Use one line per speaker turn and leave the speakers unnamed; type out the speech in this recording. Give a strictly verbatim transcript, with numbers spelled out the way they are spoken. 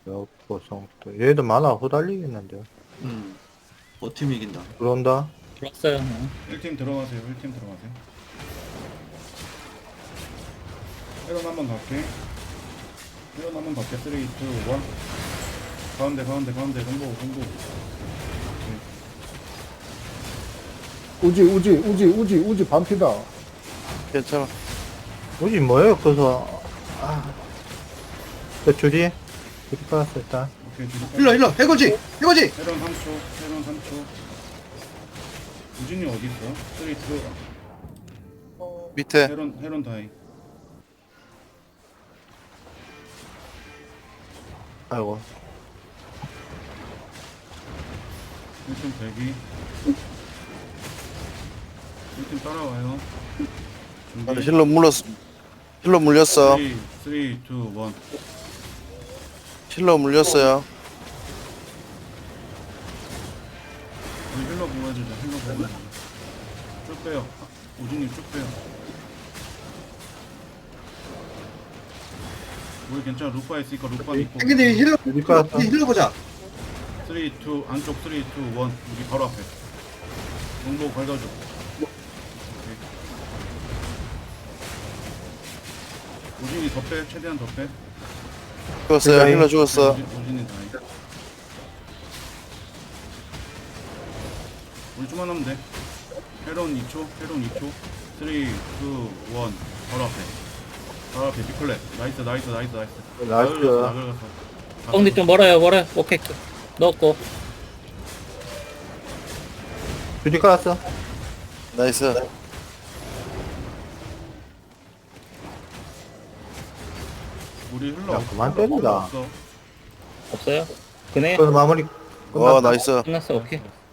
역보성도 얘도 많아 후달리겠는데.
음. 버팀 이긴다.
들어온다.
들어왔어요. 어.
일 팀 들어가세요. 일 팀 들어가세요. 헤론 한번 갈게. 헤론 한번 갈게. 삼, 이, 일. 가운데 가운데 가운데 공보 공보.
우지 우지 우지 우지 우지 반피다.
괜찮아.
뭐지 뭐예요 그래서. 아. 저 줄이 줄이 깔았어 일단.
오케이 뒤로
힐러 힐러 해거지 해거지.
헤론 삼 초. 헤론 삼 초. 우진이 어디 있어? 쓰리 들어가.
밑에.
헤론 헤론 다이.
아이고.
일 팀 대기. 일 팀 따라와요. 준비.
힐러 물렸어. 힐러 물렸어.
삼, 삼, 이, 일.
힐러 물렸어요.
우리 힐러 보호해주자. 힐러 보호해주자. 쭉 빼요. 아, 우진님 쭉 빼요. 우리 괜찮아. 루파 있으니까 루파 믿고.
땡기님 힐러
줄이 깔았어.
힐러 보자.
삼, 이, 안쪽 삼, 이, 일. 우리 바로 앞에. 공보 걷어줘. 오케이. 우진이 더 빼. 최대한 더 빼.
죽었어요. 힐러 죽었어.
우진, 우진이 다행. 우리 좀만 하면 돼. 헤론 이 초. 헤론 이 초. 삼, 이, 일. 바로 앞에. 바로 앞에 비클랩. 나이스 나이스 나이스 나이스.
나이스.
나글 갔어.
엉디 좀 멀어요, 멀어요. 오케이. 넣었고.
줄이 깔았어.
나이스.
우리 흘러.
야, 그만
흘러
때리라.
없어.
없어요? 그네?
그래서 마무리.
와, 나이스.
끝났어, 오케이.